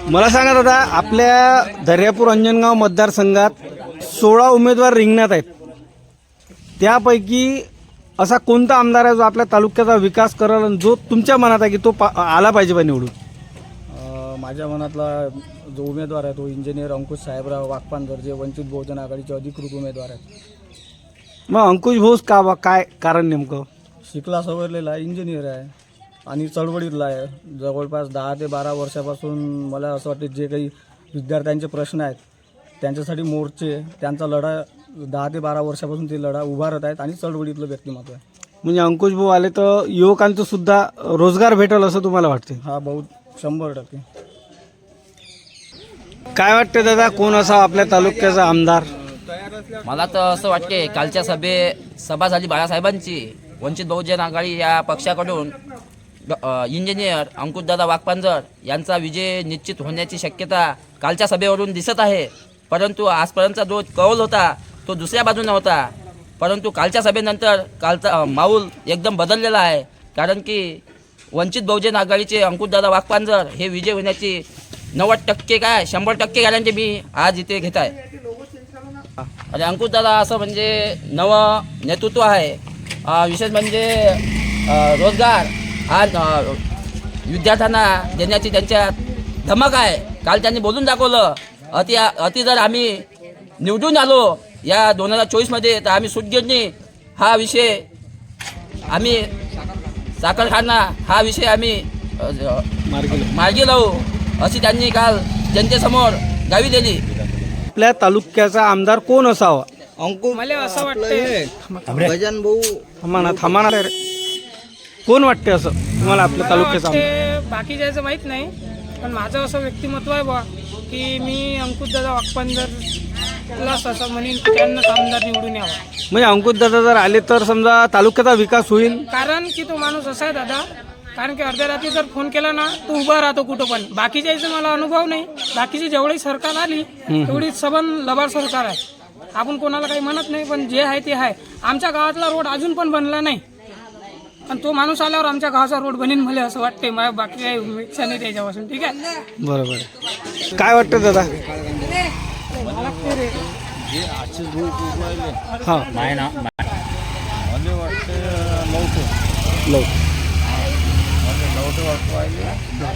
मला सांगा दादा, आपल्या दर्यापूर अंजनगाव मतदारसंघात 16 उमेदवार रिंगणात आहेत. त्यापैकी असा कोणता आमदार आहे जो आपल्या तालुक्याचा विकास करेल आणि जो तुमच्या मनात आहे की तो आला पाहिजे बा निवडून? माझ्या मनातला जो उमेदवार आहे तो इंजिनियर अंकुश साहेबराव वाकपानकर, जे वंचित बहुजन आघाडीचे अधिकृत उमेदवार आहेत. मग अंकुश भाऊस का बा, काय कारण नेमकं? शिकला सवरलेला इंजिनियर आहे आणि चळवळीतला आहे. जवळपास 10 ते 12 वर्षापासून मला असं वाटतं जे काही विद्यार्थ्यांचे प्रश्न आहेत त्यांच्यासाठी मोर्चे, त्यांचा लढा 10 ते 12 वर्षापासून ते लढा उभारत आहेत आणि चळवळीतलं व्यक्तिमत्व आहे. म्हणजे अंकुश भाऊ आले तर युवकांचं सुद्धा रोजगार भेटेल असं तुम्हाला वाटते? हा बहुत 100%. काय वाटते दादा, कोण असावा आपल्या तालुक्याचा आमदार? मला तर असं वाटते, कालच्या सभा झाली बाळासाहेबांची, वंचित बहुजन आघाडी या पक्षाकडून इंजिनियर अंकुशदादा वाकपानकर यांचा विजय निश्चित होण्याची शक्यता कालच्या सभेवरून दिसत आहे. परंतु आजपर्यंतचा जो कौल होता तो दुसऱ्या बाजूने होता. परंतु कालच्या सभेनंतर कालचा माऊल एकदम बदललेला आहे. कारण की वंचित बहुजन आघाडीचे अंकुशदादा वाकपानकर हे विजय होण्याची 90% काय 100% गॅरंटी मी आज इथे घेत आहे. आणि अंकुशदादा असं म्हणजे नवं नेतृत्व आहे. विशेष म्हणजे रोजगार हा विद्यार्थ्यांना देण्याची त्यांच्यात धमक आहे. काल त्यांनी बोलून दाखवलं. अति जर आम्ही निवडून आलो या 2024 तर आम्ही सूतगिरणी हा विषय, आम्ही साखर कारखाना हा विषय आम्ही मार्गी लावू अशी त्यांनी काल जनतेसमोर ग्वाही दिली. आपल्या तालुक्याचा आमदार कोण असावा? मला असं वाटतं भजन भाऊ थांबा रे. कोण वाटते असं तुम्हाला आपल्या तालुक्याचा आमदार? बाकी जायचं माहीत नाही, पण माझं असं व्यक्तिमत्व आहे बा की मी अंकुशदादा वाकपानकरलाच असं म्हणेन की त्यांनाच आमदार निवडून यावं. म्हणजे अंकुशदादा जर आले तर समजा तालुक्याचा विकास होईल? कारण की तो माणूस असा आहे दादा, कारण की अर्ध्या रात्री जर फोन केला ना तो उभा राहतो कुठं पण. बाकीच्या याचा मला अनुभव नाही. बाकीची जेवढी सरकार आली तेवढी सबन लबाड सरकार आहे. आपण कोणाला काही म्हणत नाही, पण जे आहे ते आहे. आमच्या गावातला रोड अजून पण बनला नाही, पण तो माणूस आल्यावर आमच्या गावाचा रोड बनेन मला असं वाटते. माझ्या बाकी काही इच्छा नाही त्याच्यापासून. ठीक आहे, बरोबर. काय वाटतं दादा? हां, मला वाटतं लवकर वाटू राहिले.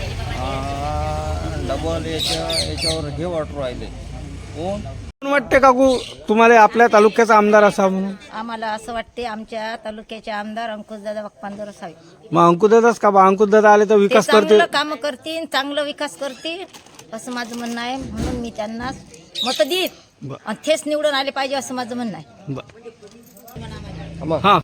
डबल याच्यावर हे वाटू राहिले. कोण वाटते काकू तुम्हाला आपल्या तालुक्याचा आमदार असावा म्हणून? आम्हाला असं वाटते आमच्या तालुक्याचे आमदार अंकुशदादा वाकपानकर असावे. मग अंकुशदादाच का बा? अंकुशदादा आले तर विकास करते, चांगलं काम करतील, चांगलं विकास करतील असं माझं म्हणणं आहे. म्हणून मी त्यांना मत देईन आणि तेच निवडून आले पाहिजे असं माझं म्हणणं आहे. हां.